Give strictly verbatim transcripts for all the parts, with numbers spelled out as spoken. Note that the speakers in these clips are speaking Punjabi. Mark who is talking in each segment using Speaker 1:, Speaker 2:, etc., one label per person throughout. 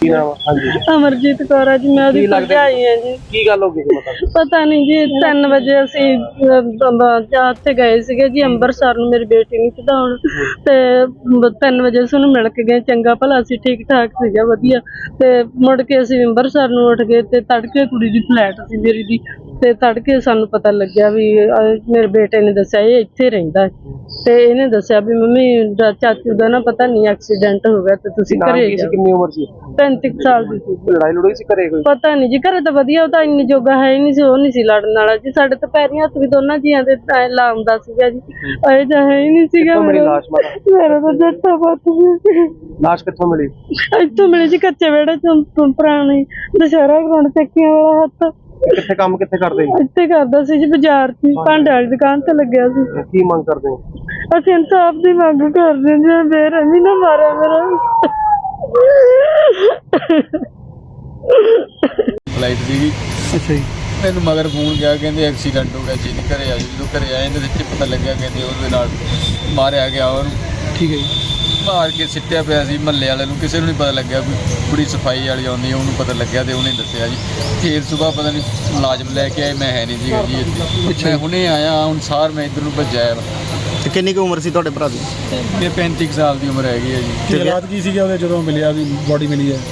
Speaker 1: ਕੀ ਨਾਮ ਆ? ਹਾਂਜੀ
Speaker 2: ਅਮਰਜੀਤ ਕੌਰ ਆ ਜੀ, ਮੈਂ ਉਹਦੀ ਭਰਜਾਈ ਆ ਜੀ।
Speaker 1: ਕੀ ਗੱਲ ਹੋ ਗਈ ਸੀ? ਮਤਲਬ
Speaker 2: ਪਤਾ ਨਹੀਂ ਜੀ, ਤਿੰਨ ਵਜੇ ਅਸੀਂ ਉੱਥੇ ਗਏ ਸੀਗੇ ਜੀ ਅੰਮ੍ਰਿਤਸਰ ਨੂੰ ਮੇਰੀ ਬੇਟੀ ਨੂੰ ਚੜਾਉਣ, ਤੇ ਤਿੰਨ ਵਜੇ ਅਸੀਂ ਉਹਨੂੰ ਮਿਲ ਕੇ ਗਏ। ਚੰਗਾ ਭਲਾ ਸੀ, ਠੀਕ ਠਾਕ ਸੀਗਾ, ਵਧੀਆ। ਤੇ ਮੁੜ ਕੇ ਅਸੀਂ ਅੰਮ੍ਰਿਤਸਰ ਨੂੰ ਉੱਠ ਗਏ ਤੇ ਤੜਕੇ ਕੁੜੀ ਦੀ ਫਲੈਟ ਸੀ ਮੇਰੀ ਦੀ, ਤੇ ਤੜਕੇ ਸਾਨੂੰ ਪਤਾ ਲੱਗਿਆ ਵੀ ਮੇਰੇ ਬੇਟੇ ਨੇ ਦੱਸਿਆ ਇਹ ਇੱਥੇ ਰਹਿੰਦਾ, ਤੇ ਇਹਨੇ ਦੱਸਿਆ ਵੀ ਮੰਮੀ ਚਾਚੂ ਦਾ ਨਾ ਪਤਾ ਨਹੀਂ ਐਕਸੀਡੈਂਟ ਹੋ ਗਿਆ ਤੇ ਤੁਸੀਂ ਘਰੇ ਜਾਓ।
Speaker 1: ਕਿੰਨੀ ਉਮਰ ਸੀ?
Speaker 2: ਪੈਂਤੀ ਸਾਲ ਦੀ ਸੀ।
Speaker 1: ਲੜਾਈ ਲੜੋਈ ਸੀ ਘਰੇ ਕੋਈ?
Speaker 2: ਪਤਾ ਨਹੀਂ ਜੀ, ਘਰੇ ਤਾਂ ਵਧੀਆ, ਉਹ ਤਾਂ ਇੰਨੀ ਜੋਗਾ ਹੈ ਹੀ ਨਹੀਂ ਸੀ, ਉਹ ਨਹੀਂ ਸੀ ਲੜਨ ਵਾਲਾ ਜੀ। ਸਾਡੇ ਤਾਂ ਪੈਰੀਂ ਹੱਥ ਵੀ ਦੋਨਾਂ ਜੀਆਂ ਦੇ ਲਾਉਂਦਾ ਸੀਗਾ ਜੀ, ਇਹ ਜਿਹਾ ਹੈ ਹੀ ਨਹੀਂ ਸੀਗਾ।
Speaker 1: ਮੇਰੀ ਲਾਸ਼
Speaker 2: ਮੇਰਾ ਤਾਂ ਜੱਟਾ ਪੁੱਤ ਸੀ।
Speaker 1: ਲਾਸ਼ ਕਿੱਥੋਂ ਮਿਲੀ?
Speaker 2: ਇੱਥੋਂ ਮਿਲੀ ਜੀ, ਕੱਚੇ ਵਿਹੜੇ ਚੋਂ, ਪੁਰਾਣੀ ਦੁਸ਼ਹਿਰਾ ਗਰਾਊਂਡ ਚੱਕੀਆਂ ਵਾਲਾ ਹੱਥ।
Speaker 1: ਕਿੱਥੇ ਕੰਮ ਕਿੱਥੇ ਕਰਦੇ?
Speaker 2: ਇੱਥੇ ਕਰਦਾ ਸੀ ਜੀ, ਬਾਜ਼ਾਰ 'ਚ ਭਾਂਡੇ ਵਾਲੀ ਦੁਕਾਨ ਤੇ ਲੱਗਿਆ ਸੀ।
Speaker 1: ਕੀ ਮੰਗ ਕਰਦੇ ਹੋ?
Speaker 2: ਅਸੀਂ ਇਨਸਾਫ ਦੀ ਮੰਗ ਕਰਦੇ ਹਾਂ ਜੀ, ਬੇਰਹਿਮੀ ਨਾ ਮਾਰਿਆ ਮੇਰਾ।
Speaker 3: ਫਲਾਈਟ ਸੀਗੀ।
Speaker 1: ਅੱਛਾ ਜੀ।
Speaker 3: ਮੈਨੂੰ ਮਗਰ ਫੋਨ ਗਿਆ, ਕਹਿੰਦੇ ਐਕਸੀਡੈਂਟ ਹੋ ਗਿਆ ਜੀ, ਘਰੇ ਆ ਜੀ। ਜਦੋਂ ਘਰੇ ਆਏ ਇਹਦੇ ਵਿੱਚ ਪਤਾ ਲੱਗਿਆ ਕਹਿੰਦੇ ਉਹਦੇ ਨਾਲ ਮਾਰਿਆ ਗਿਆ ਉਹਨੂੰ।
Speaker 1: ਠੀਕ ਹੈ ਜੀ।
Speaker 3: ਮਾਰ ਕੇ ਸਿੱਟਿਆ ਪਿਆ ਸੀ। ਮਹੱਲੇ ਵਾਲੇ ਨੂੰ ਕਿਸੇ ਨੂੰ ਨਹੀਂ ਪਤਾ ਲੱਗਿਆ, ਕੋਈ ਕੁੜੀ ਸਫਾਈ ਵਾਲੀ ਆਉਂਦੀ ਉਹਨੂੰ ਪਤਾ ਲੱਗਿਆ ਤੇ ਉਹਨੇ ਦੱਸਿਆ ਜੀ। ਫਿਰ ਸੁਬਾਹ ਪਤਾ ਨਹੀਂ ਮੁਲਾਜ਼ਮ ਲੈ ਕੇ ਆਏ, ਮੈਂ ਹੈ ਨਹੀਂ ਸੀਗਾ ਜੀ ਇੱਥੇ। ਮੈਂ ਹੁਣੇ ਆਇਆ ਹੁਣ ਸਾਰ, ਮੈਂ ਇੱਧਰ ਨੂੰ ਭੱਜਿਆ।
Speaker 4: ਤੇ ਕਿੰਨੀ ਕੁ ਉਮਰ ਸੀ ਤੁਹਾਡੇ ਭਰਾ ਦੀ?
Speaker 3: ਇਹ ਪੈਂਤੀ ਸਾਲ ਦੀ ਉਮਰ ਹੈਗੀ ਹੈ ਜੀ।
Speaker 5: ਰਾਤ ਕੀ ਸੀਗਾ ਉਹਦੇ ਜਦੋਂ ਮਿਲਿਆ ਵੀ ਬੋਡੀ ਮਿਲੀ ਹੈ?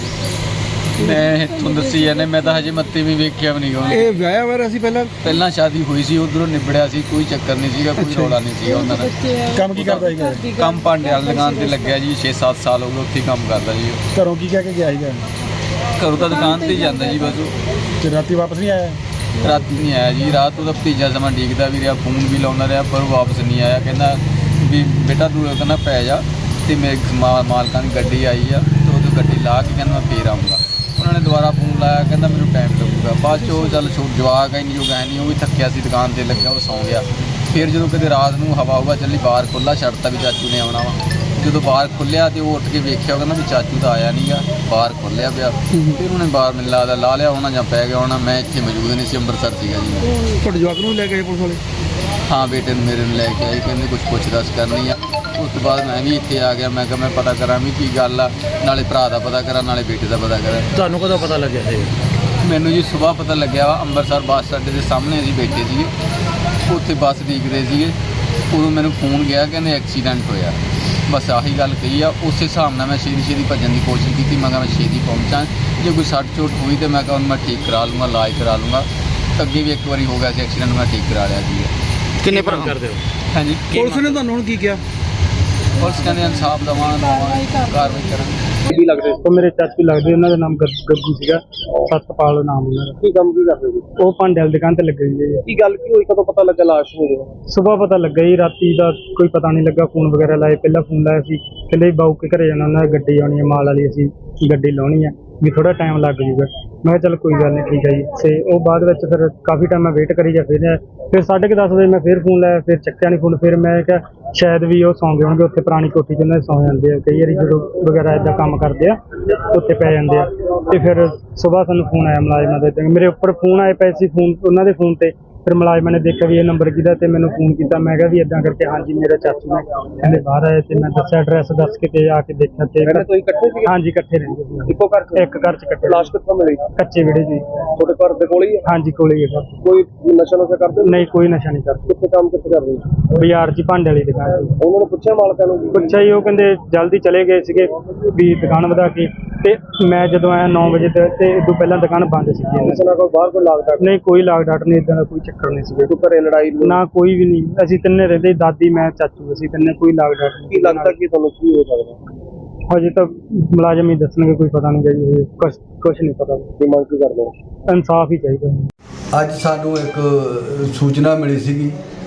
Speaker 3: ਮੈਂ ਤੁਹਾਨੂੰ ਦੱਸੀ ਜਾਂਦੇ, ਮੈਂ ਤਾਂ ਹਜੇ ਮੱਤੇ ਵੀ ਵੇਖਿਆ ਵੀ ਨਹੀਂ ਉਹਨੂੰ।
Speaker 5: ਇਹ ਵਿਆਹਿਆ ਹੋਇਆ ਸੀ ਪਹਿਲਾਂ?
Speaker 3: ਪਹਿਲਾਂ ਸ਼ਾਦੀ ਹੋਈ ਸੀ, ਉਧਰੋਂ ਨਿਬੜਿਆ ਸੀ, ਕੋਈ ਚੱਕਰ ਨਹੀਂ ਸੀਗਾ, ਕੋਈ ਰੌਲਾ ਨਹੀਂ ਸੀਗਾ ਉਹਨਾਂ ਦਾ।
Speaker 5: ਕੰਮ ਕੀ ਕਰਦਾ ਸੀਗਾ?
Speaker 3: ਕੰਮ ਭਾਂਡੇ ਵਾਲੀ ਦੁਕਾਨ ਤੇ ਲੱਗਿਆ ਜੀ, ਛੇ ਸੱਤ ਸਾਲ ਹੋ ਗਏ ਉੱਥੇ ਕੰਮ ਕਰਦਾ ਜੀ।
Speaker 5: ਘਰੋਂ ਕੀ ਕਹਿ ਕੇ ਗਿਆ ਸੀਗਾ?
Speaker 3: ਘਰੋਂ ਤਾਂ ਦੁਕਾਨ ਤੇ ਹੀ ਜਾਂਦਾ ਜੀ ਬਸ ਉਹ।
Speaker 5: ਤੇ ਰਾਤੀ ਵਾਪਸ ਨਹੀਂ ਆਇਆ?
Speaker 3: ਰਾਤੀ ਨਹੀਂ ਆਇਆ ਜੀ, ਰਾਤ ਉਹਦਾ ਭਤੀਜਾ ਸਮਾਂ ਡੀਕਦਾ ਵੀ ਰਿਹਾ, ਫੋਨ ਵੀ ਲਾਉਂਦਾ ਰਿਹਾ, ਪਰ ਉਹ ਵਾਪਸ ਨਹੀਂ ਆਇਆ। ਕਹਿੰਦਾ ਵੀ ਬੇਟਾ ਤੂੰ ਕਹਿੰਦਾ ਪੈ ਜਾ, ਤੇ ਮੇਰੇ ਮਾਲਕਾਂ ਦੀ ਗੱਡੀ ਆਈ ਆ, ਤੇ ਉਹ ਗੱਡੀ ਲਾ ਕੇ ਕਹਿੰਦਾ ਮੈਂ ਫੇਰ ਆਊਂਗਾ। ਉਹਨਾਂ ਨੇ ਦੁਬਾਰਾ ਫੋਨ ਲਾਇਆ, ਕਹਿੰਦਾ ਮੈਨੂੰ ਟਾਈਮ ਲੱਗੂਗਾ। ਬਾਅਦ 'ਚ ਉਹ ਚੱਲ ਛੋਟ ਜਵਾਕ ਇੰਨੀ ਜੋ ਹੈ ਨਹੀਂ, ਉਹ ਵੀ ਥੱਕਿਆ ਸੀ, ਦੁਕਾਨ 'ਤੇ ਲੱਗਿਆ, ਉਹ ਸੌਂ ਗਿਆ। ਫਿਰ ਜਦੋਂ ਕਦੇ ਰਾਤ ਨੂੰ ਹਵਾ ਹੁਵਾ ਚੱਲੀ, ਬਾਹਰ ਖੁੱਲ੍ਹਾ ਛੱਡਤਾ ਵੀ ਚਾਚੂ ਨੇ ਆਉਣਾ ਵਾ। ਜਦੋਂ ਬਾਹਰ ਖੁੱਲ੍ਹਿਆ ਤੇ ਉਹ ਉੱਠ ਕੇ ਵੇਖਿਆ, ਕਹਿੰਦਾ ਵੀ ਚਾਚੂ ਤਾਂ ਆਇਆ ਨਹੀਂਗਾ, ਬਾਹਰ ਖੁੱਲ੍ਹਿਆ ਪਿਆ। ਫਿਰ ਉਹਨੇ ਬਾਹਰ ਮੈਨੂੰ ਲੱਗਦਾ ਲਾ ਲਿਆ ਹੋਣਾ ਜਾਂ ਪੈ ਗਿਆ ਹੋਣਾ। ਮੈਂ ਇੱਥੇ ਮੌਜੂਦ ਨਹੀਂ ਸੀ, ਅੰਮ੍ਰਿਤਸਰ ਸੀਗਾ ਜੀ।
Speaker 5: ਤੁਹਾਡੇ ਜਵਾਕ ਨੂੰ ਲੈ ਕੇ ਆਏ ਪੁਲਿਸ ਵਾਲੇ?
Speaker 3: ਹਾਂ, ਬੇਟੇ ਨੂੰ ਮੇਰੇ ਨੂੰ ਲੈ ਕੇ ਆਈ, ਕਹਿੰਦੇ ਕੁਛ ਪੁੱਛ ਦੱਸ ਕਰਨੀ ਆ। ਉਸ ਤੋਂ ਬਾਅਦ ਮੈਂ ਵੀ ਇੱਥੇ ਆ ਗਿਆ। ਮੈਂ ਕਿਹਾ ਮੈਂ ਪਤਾ ਕਰਾਂ ਵੀ ਕੀ ਗੱਲ ਆ, ਨਾਲੇ ਭਰਾ ਦਾ ਪਤਾ ਕਰਾਂ, ਨਾਲੇ ਬੇਟੇ ਦਾ ਪਤਾ ਕਰਾਂ।
Speaker 5: ਤੁਹਾਨੂੰ ਕਦੋਂ ਪਤਾ ਲੱਗਿਆ ਇਹ?
Speaker 3: ਮੈਨੂੰ ਜੀ ਸੁਬਾਹ ਪਤਾ ਲੱਗਿਆ ਵਾ, ਅੰਮ੍ਰਿਤਸਰ ਬੱਸ ਅੱਡੇ ਦੇ ਸਾਹਮਣੇ ਅਸੀਂ ਬੈਠੇ ਸੀਗੇ, ਉੱਥੇ ਬੱਸ ਦੇਖਦੇ ਸੀਗੇ। ਉਦੋਂ ਮੈਨੂੰ ਫੋਨ ਗਿਆ, ਕਹਿੰਦੇ ਐਕਸੀਡੈਂਟ ਹੋਇਆ। ਬਸ ਆਹੀ ਗੱਲ ਕਹੀ ਆ। ਉਸੇ ਹਿਸਾਬ ਨਾਲ ਮੈਂ ਛੇਤੀ ਛੇਤੀ ਭੱਜਣ ਦੀ ਕੋਸ਼ਿਸ਼ ਕੀਤੀ। ਮੈਂ ਕਿਹਾ ਮੈਂ ਛੇਤੀ ਪਹੁੰਚਾਂ, ਜੇ ਕੋਈ ਸੱਟ ਚੋਟ ਹੋਈ ਤਾਂ ਮੈਂ ਕਿਹਾ ਮੈਂ ਠੀਕ ਕਰਾ ਲੂੰਗਾ, ਇਲਾਜ ਕਰਾ ਲੂੰਗਾ। ਅੱਗੇ ਵੀ ਇੱਕ ਵਾਰੀ ਹੋ ਗਿਆ ਸੀ ਐਕਸੀਡੈਂਟ, ਮੈਂ ਠੀਕ ਕਰਾ ਲਿਆ ਸੀ।
Speaker 4: ਕਿੰਨੇ ਭਰਾ
Speaker 5: ਕਰਦੇ ਹੋ?
Speaker 3: ਹਾਂਜੀ।
Speaker 5: ਪੁਲਿਸ ਨੇ ਤੁਹਾਨੂੰ ਹੁਣ ਕੀ ਕਿਹਾ?
Speaker 3: ਪੁਲਿਸ ਕਹਿੰਦੇ ਇਨਸਾਫ ਦੇਵਾਂਗੇ, ਕਾਰਵਾਈ ਕਰਾਂਗੇ।
Speaker 1: ਕੀ ਲੱਗਦੇ?
Speaker 6: ਉਹ ਮੇਰੇ ਚਾਚੂ ਲੱਗਦੇ, ਉਹਨਾਂ ਦਾ ਨਾਮ ਗੱਗੂ ਸੀਗਾ, ਸਤਪਾਲ ਨਾਮ ਉਹਨਾਂ ਦਾ।
Speaker 1: ਕੀ ਕੰਮ ਕੀ ਕਰਦੇ ਸੀ?
Speaker 6: ਉਹ ਭਾਂਡੇ ਵਾਲੀ ਦੁਕਾਨ ਤੇ ਲੱਗੇ ਹੋਏ ਜੀ।
Speaker 1: ਕੀ ਗੱਲ ਕੀ ਹੋਈ? ਕਦੋਂ ਪਤਾ ਲੱਗਾ ਲਾਸ਼ ਹੋ ਗਈ?
Speaker 6: ਸੁਬਾਹ ਪਤਾ ਲੱਗਾ ਜੀ, ਰਾਤੀ ਦਾ ਕੋਈ ਪਤਾ ਨਹੀਂ ਲੱਗਾ। ਫੋਨ ਵਗੈਰਾ ਲਾਏ, ਪਹਿਲਾਂ ਫੋਨ ਲਾਇਆ ਸੀ, ਕਹਿੰਦੇ ਬਾਊ ਕੇ ਘਰੇ ਜਾਣਾ, ਉਹਨਾਂ ਦੀ ਗੱਡੀ ਆਉਣੀ ਹੈ ਮਾਲ ਵਾਲੀ, ਅਸੀਂ ਗੱਡੀ ਲਾਉਣੀ ਹੈ, ਵੀ ਥੋੜਾ ਟਾਈਮ ਲੱਗ ਜੂਗਾ। ਮੈਂ ਕਿਹਾ ਚੱਲ ਕੋਈ ਗੱਲ ਨਹੀਂ, ਠੀਕ ਹੈ ਜੀ। ਤੇ ਉਹ ਬਾਅਦ ਵਿੱਚ ਫਿਰ ਕਾਫੀ ਟਾਈਮ ਮੈਂ ਵੇਟ ਕਰੀ ਜਾ, ਫਿਰ ਫਿਰ ਸਾਢੇ ਕੁ ਦਸ ਵਜੇ ਮੈਂ ਫਿਰ ਫੋਨ ਲਾਇਆ, ਫਿਰ ਚੱਕਿਆ ਨਹੀਂ ਫੋਨ। ਫਿਰ ਮੈਂ ਕਿਹਾ ਸ਼ਾਇਦ ਵੀ ਉਹ ਸੌਂ ਗਏ ਹੋਣਗੇ, ਉੱਥੇ ਪੁਰਾਣੀ ਕੋਠੀ 'ਚ ਉਹਨਾਂ ਦੇ ਸੌਂ ਜਾਂਦੇ ਆ ਕਈ ਵਾਰੀ, ਜਦੋਂ ਵਗੈਰਾ ਇੱਦਾਂ ਕੰਮ ਕਰਦੇ ਆ ਉੱਥੇ ਪੈ ਜਾਂਦੇ ਆ। ਤੇ ਫਿਰ ਸੁਬਾਹ ਸਾਨੂੰ ਫੋਨ ਆਇਆ ਮੁਲਾਜ਼ਮਾਂ ਦਾ, ਮੇਰੇ ਉੱਪਰ ਫੋਨ ਆਏ ਪਏ ਸੀ, ਫੋਨ ਉਹਨਾਂ ਦੇ ਫੋਨ ਤੇ। ਫਿਰ ਮੁਲਾਜ਼ਮਾਂ ਨੇ ਦੇਖਿਆ ਵੀ ਇਹ ਨੰਬਰ ਕਿਹਦਾ, ਤੇ ਮੈਨੂੰ ਫੋਨ ਕੀਤਾ। ਮੈਂ ਕਿਹਾ ਵੀ ਇੱਦਾਂ ਕਰਕੇ ਹਾਂਜੀ ਮੇਰਾ ਚਾਚੂ ਨੇ, ਕਹਿੰਦੇ ਬਾਹਰ ਆਏ, ਤੇ ਮੈਂ ਦੱਸਿਆ ਐਡਰੈਸ ਦੱਸ ਕੇ, ਤੇ ਆ ਕੇ ਦੇਖਿਆ ਤੇ
Speaker 1: ਤੁਸੀਂ ਇਕੱਠੇ ਸੀ?
Speaker 6: ਹਾਂਜੀ, ਇਕੱਠੇ ਰਹਿੰਦੇ ਸੀ,
Speaker 1: ਇੱਕੋ ਘਰ 'ਚ?
Speaker 6: ਇੱਕ ਘਰ 'ਚ ਇਕੱਠੇ।
Speaker 1: ਲਾਸ਼ ਕਿੱਥੋਂ ਮਿਲੀ?
Speaker 6: ਕੱਚੇ ਵਿਹੜੇ ਜੀ।
Speaker 1: ਤੁਹਾਡੇ ਘਰ ਦੇ ਕੋਲ ਹੀ ਹੈ?
Speaker 6: ਹਾਂਜੀ, ਕੋਲੇ ਹੀ ਹੈ ਘਰ।
Speaker 1: ਕੋਈ ਨਸ਼ਾ ਨੁਸ਼ਾ ਕਰਦੇ?
Speaker 6: ਨਹੀਂ, ਕੋਈ ਨਸ਼ਾ ਨਹੀਂ ਕਰਦੇ।
Speaker 1: ਕਿੱਥੇ ਕੰਮ ਕਿੱਥੇ ਕਰਦੇ?
Speaker 6: ਬਾਜ਼ਾਰ 'ਚ ਭਾਂਡੇ ਵਾਲੀ ਦੁਕਾਨ ਸੀ।
Speaker 1: ਉਹਨਾਂ ਨੂੰ ਪੁੱਛਿਆ ਮਾਲਕਾਂ ਨੂੰ?
Speaker 6: ਪੁੱਛਿਆ ਜੀ, ਉਹ ਕਹਿੰਦੇ ਜਲਦੀ ਚਲੇ ਗਏ ਸੀਗੇ ਵੀ ਦੁਕਾਨ ਵਧਾ ਕੇ। ਤੇ ਮੈਂ ਜਦੋਂ ਆਇਆ ਨੌ ਵਜੇ ਤੇ ਉਦੋਂ ਪਹਿਲਾਂ ਦੁਕਾਨ ਬੰਦ ਸੀ।
Speaker 1: ਕਿਸੇ ਨਾਲ ਕੋਈ ਬਾਹਰ ਕੋਈ ਲਾਗ
Speaker 6: ਨਹੀਂ, ਕੋਈ ਲਾਗ ਡਾਟ ਨਹੀਂ, ਇਦਾਂ ਦਾ ਕੋਈ ਚੱਕਰ ਨਹੀਂ ਸੀਗਾ।
Speaker 1: ਕੋਈ ਘਰੇ ਲੜਾਈ
Speaker 6: ਨਾ ਕੋਈ ਵੀ ਨਹੀਂ, ਅਸੀਂ ਤਿੰਨੇ ਰਹਿੰਦੇ, ਦਾਦੀ ਮੈਂ ਚਾਚੂ, ਅਸੀਂ ਤਿੰਨੇ, ਕੋਈ ਲਾਗ ਡਾਟ ਨਹੀਂ।
Speaker 1: ਕੀ ਲੱਗਦਾ ਕਿ ਤੁਹਾਨੂੰ ਕੀ ਹੋ ਸਕਦਾ?
Speaker 6: ਹਜੇ ਤਾਂ ਮੁਲਾਜ਼ਮ ਹੀ ਦੱਸਣਗੇ, ਕੋਈ ਪਤਾ ਨਹੀਂ ਜੀ, ਕੁਛ ਕੁਛ ਨਹੀਂ ਪਤਾ।
Speaker 1: ਕੀ ਮੰਗ ਕੀ ਕਰਦੇ ਹੋ?
Speaker 6: ਇਨਸਾਫ ਹੀ ਚਾਹੀਦਾ।
Speaker 7: ਅੱਜ ਸਾਨੂੰ ਇੱਕ ਸੂਚਨਾ ਮਿਲੀ ਸੀਗੀ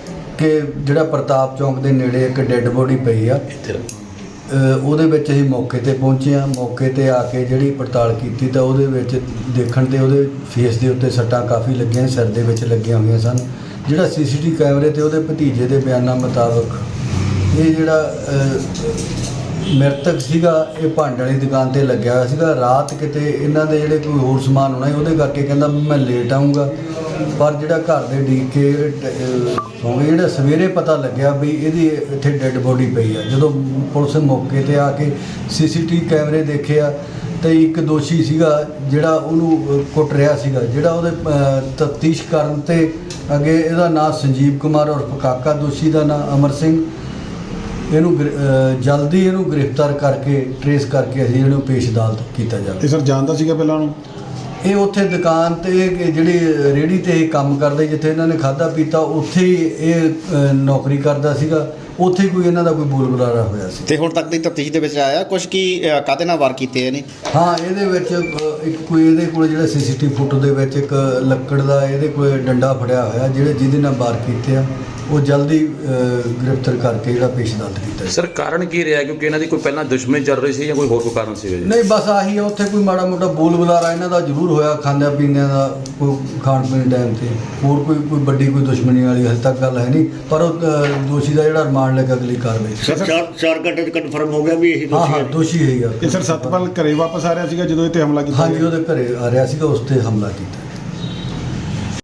Speaker 7: ਕਿ ਜਿਹੜਾ ਪ੍ਰਤਾਪ ਚੌਂਕ ਦੇ ਨੇੜੇ ਇੱਕ ਡੈੱਡ ਬੋਡੀ ਪਈ ਆ। ਉਹਦੇ ਵਿੱਚ ਅਸੀਂ ਮੌਕੇ 'ਤੇ ਪਹੁੰਚੇ ਹਾਂ। ਮੌਕੇ 'ਤੇ ਆ ਕੇ ਜਿਹੜੀ ਪੜਤਾਲ ਕੀਤੀ ਤਾਂ ਉਹਦੇ ਵਿੱਚ ਦੇਖਣ 'ਤੇ ਉਹਦੇ ਫੇਸ ਦੇ ਉੱਤੇ ਸੱਟਾਂ ਕਾਫੀ ਲੱਗੀਆਂ, ਸਿਰ ਦੇ ਵਿੱਚ ਲੱਗੀਆਂ ਹੋਈਆਂ ਸਨ। ਜਿਹੜਾ ਸੀ ਸੀ ਟੀ ਕੈਮਰੇ 'ਤੇ ਉਹਦੇ ਭਤੀਜੇ ਦੇ ਬਿਆਨਾਂ ਮੁਤਾਬਕ ਇਹ ਜਿਹੜਾ ਮ੍ਰਿਤਕ ਸੀਗਾ ਇਹ ਭਾਂਡੇ ਵਾਲੀ ਦੁਕਾਨ 'ਤੇ ਲੱਗਿਆ ਹੋਇਆ ਸੀਗਾ। ਰਾਤ ਕਿਤੇ ਇਹਨਾਂ ਦੇ ਜਿਹੜੇ ਕੋਈ ਹੋਰ ਸਮਾਨ ਹੋਣਾ ਉਹਦੇ ਕਰਕੇ ਕਹਿੰਦਾ ਮੈਂ ਲੇਟ ਆਊਂਗਾ, ਪਰ ਜਿਹੜਾ ਘਰ ਦੇ ਡੀਕ ਕੇ ਸੌਂ ਗਏ। ਜਿਹੜਾ ਸਵੇਰੇ ਪਤਾ ਲੱਗਿਆ ਵੀ ਇਹਦੀ ਇੱਥੇ ਡੈੱਡ ਬੋਡੀ ਪਈ ਆ। ਜਦੋਂ ਪੁਲਿਸ ਮੌਕੇ 'ਤੇ ਆ ਕੇ ਸੀ ਸੀ ਟੀ ਕੈਮਰੇ ਦੇਖਿਆ ਤੇ ਇੱਕ ਦੋਸ਼ੀ ਸੀਗਾ ਜਿਹੜਾ ਉਹਨੂੰ ਅ, ਕੁੱਟ ਰਿਹਾ ਸੀਗਾ, ਜਿਹੜਾ ਉਹਦੇ ਤਫਤੀਸ਼ ਕਰਨ ਤੇ ਅੱਗੇ ਇਹਦਾ ਨਾਮ ਸੰਜੀਵ ਕੁਮਾਰ ਔਰ ਕਾਕਾ, ਦੋਸ਼ੀ ਦਾ ਨਾਮ ਅਮਰ ਸਿੰਘ। ਇਹਨੂੰ ਗ੍ਰਿ- ਅ, ਜਲਦੀ ਇਹਨੂੰ ਗ੍ਰਿਫਤਾਰ ਕਰਕੇ ਟਰੇਸ ਕਰਕੇ ਅਸੀਂ ਇਹਨੂੰ ਪੇਸ਼ ਅਦਾਲਤ ਕੀਤਾ ਜਾਵੇ।
Speaker 8: ਇਹ ਸਰ ਜਾਣਦਾ ਸੀਗਾ ਪਹਿਲਾਂ ਉਹਨੂੰ?
Speaker 7: ਇਹ ਉੱਥੇ ਦੁਕਾਨ ਤੇ ਇਹ ਜਿਹੜੀ ਰੇਹੜੀ ਤੇ ਇਹ ਕੰਮ ਕਰਦੇ, ਜਿੱਥੇ ਇਹਨਾਂ ਨੇ ਖਾਧਾ ਪੀਤਾ, ਉੱਥੇ ਹੀ ਇਹ ਅ, ਨੌਕਰੀ ਕਰਦਾ ਸੀਗਾ। ਉੱਥੇ ਹੀ ਕੋਈ ਇਹਨਾਂ ਦਾ ਕੋਈ ਬੋਲ ਬੁਲਾਰਾ ਹੋਇਆ ਸੀ।
Speaker 4: ਤੇ ਹੁਣ ਤੱਕ ਦੀ ਤਫਤੀਸ਼ ਦੇ ਵਿੱਚ ਆਇਆ ਕੁਝ ਕੀ ਅ, ਕਾਹਦੇ ਨਾਲ ਵਾਰ ਕੀਤੇ ਨੇ?
Speaker 7: ਹਾਂ, ਇਹਦੇ ਵਿੱਚ ਅ, ਇੱਕ ਕੋਈ ਇਹਦੇ ਕੋਲ ਜਿਹੜਾ ਸੀਸੀਟੀਵੀ ਫੁਟੇਜ ਦੇ ਵਿੱਚ ਇੱਕ ਲੱਕੜ ਦਾ ਇਹਦੇ ਕੋਲ ਡੰਡਾ ਫੜਿਆ ਹੋਇਆ, ਜਿਹੜੇ ਜਿਹਦੇ ਨਾਲ ਵਾਰ ਕੀਤੇ ਆ, ਉਹ ਜਲਦੀ ਅ, ਗ੍ਰਿਫਤਾਰ ਕਰਕੇ ਜਿਹੜਾ ਪੇਸ਼ ਅਦਾਲਤ ਕੀਤਾ ਜਾਵੇ।
Speaker 9: ਸਰ ਕਾਰਨ ਕੀ ਰਿਹਾ, ਕਿਉਂਕਿ ਇਹਨਾਂ ਦੀ ਕੋਈ ਪਹਿਲਾਂ ਦੁਸ਼ਮਣੀ ਚੱਲ ਰਹੀ ਸੀ ਜਾਂ ਕੋਈ ਹੋਰ ਕੋਈ ਕਾਰਨ ਸੀ?
Speaker 7: ਨਹੀਂ, ਬਸ ਆਹੀ ਆ, ਉੱਥੇ ਕੋਈ ਮਾੜਾ ਮੋਟਾ ਬੋਲ ਬੁਲਾਰਾ ਇਹਨਾਂ ਦਾ ਜ਼ਰੂਰ ਹੋਇਆ, ਖਾਂਦਿਆਂ ਪੀਂਦਿਆਂ ਦਾ, ਕੋਈ ਖਾਣ ਪੀਣ ਟਾਈਮ ਤੇ। ਹੋਰ ਕੋਈ ਕੋਈ ਵੱਡੀ ਕੋਈ ਦੁਸ਼ਮਣੀ ਵਾਲੀ ਹਜੇ ਤੱਕ ਗੱਲ ਹੈ ਨਹੀਂ, ਪਰ ਉਹ ਅ, ਦੋਸ਼ੀ ਦਾ ਜਿਹੜਾ ਰਿਮਾਂਡ ਲੈ ਕੇ ਅਗਲੀ ਕਾਰਵਾਈ।
Speaker 8: ਸਰ ਚਾਰ ਚਾਰ ਘੰਟੇ ਚ ਕਨਫਰਮ ਹੋ ਗਿਆ ਵੀ ਇਹੀ
Speaker 7: ਹਾਂ ਹਾਂ, ਦੋਸ਼ੀ ਹੈ।
Speaker 8: ਇਹ ਸਰ ਸਤਪਾਲ ਘਰੇ ਵਾਪਸ ਆ ਰਿਹਾ ਸੀਗਾ ਜਦੋਂ ਇਹ ਤੇ ਹਮਲਾ ਕੀਤਾ?
Speaker 7: ਹਾਂਜੀ, ਉਹਦੇ ਘਰੇ ਆ ਰਿਹਾ ਸੀਗਾ, ਉਸ ਤੇ ਹਮਲਾ ਕੀਤਾ।